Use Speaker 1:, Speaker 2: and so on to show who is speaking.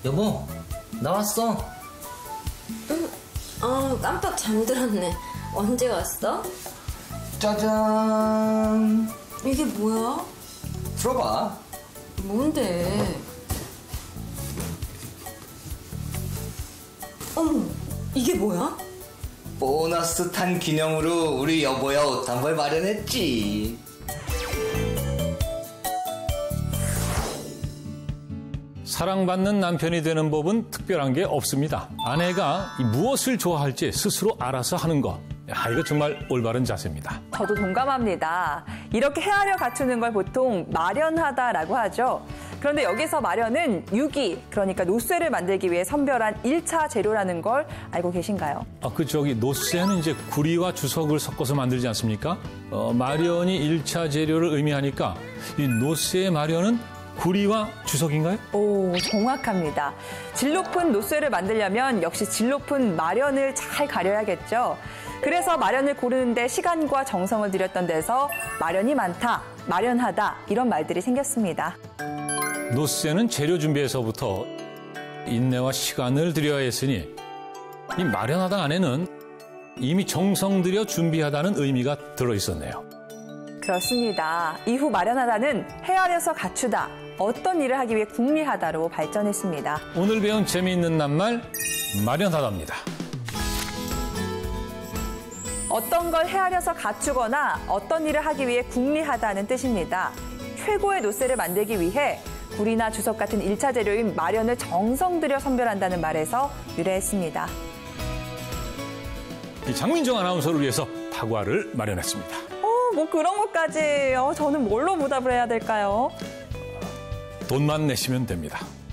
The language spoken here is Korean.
Speaker 1: 여보, 나왔어.
Speaker 2: 응. 깜빡 잠들었네. 언제 왔어?
Speaker 1: 짜잔.
Speaker 2: 이게 뭐야?
Speaker 1: 들어봐.
Speaker 2: 뭔데? 어머, 이게 뭐야?
Speaker 1: 보너스 탄 기념으로 우리 여보야 옷 한 벌 마련했지.
Speaker 3: 사랑받는 남편이 되는 법은 특별한 게 없습니다. 아내가 무엇을 좋아할지 스스로 알아서 하는 것. 이거 정말 올바른 자세입니다.
Speaker 4: 저도 동감합니다. 이렇게 헤아려 갖추는 걸 보통 마련하다라고 하죠. 그런데 여기서 마련은 유기, 그러니까 노쇠를 만들기 위해 선별한 1차 재료라는 걸 알고 계신가요?
Speaker 3: 노쇠는 이제 구리와 주석을 섞어서 만들지 않습니까? 마련이 1차 재료를 의미하니까 이 노쇠의 마련은 구리와 주석인가요?
Speaker 4: 오, 정확합니다. 질 높은 노쇠를 만들려면 역시 질 높은 마련을 잘 가려야겠죠. 그래서 마련을 고르는데 시간과 정성을 들였던 데서 마련이 많다, 마련하다 이런 말들이 생겼습니다.
Speaker 3: 노쇠는 재료 준비에서부터 인내와 시간을 들여야 했으니 이 마련하다 안에는 이미 정성 들여 준비하다는 의미가 들어있었네요.
Speaker 4: 그렇습니다. 이후 마련하다는 헤아려서 갖추다, 어떤 일을 하기 위해 궁리하다로 발전했습니다.
Speaker 3: 오늘 배운 재미있는 낱말 마련하다입니다.
Speaker 4: 어떤 걸 헤아려서 갖추거나 어떤 일을 하기 위해 궁리하다는 뜻입니다. 최고의 노쇠를 만들기 위해 구리나 주석 같은 1차 재료인 마련을 정성 들여 선별한다는 말에서 유래했습니다.
Speaker 3: 장민정 아나운서를 위해서 다과를 마련했습니다.
Speaker 4: 뭐 그런 것까지. 저는 뭘로 보답을 해야 될까요?
Speaker 3: 돈만 내시면 됩니다.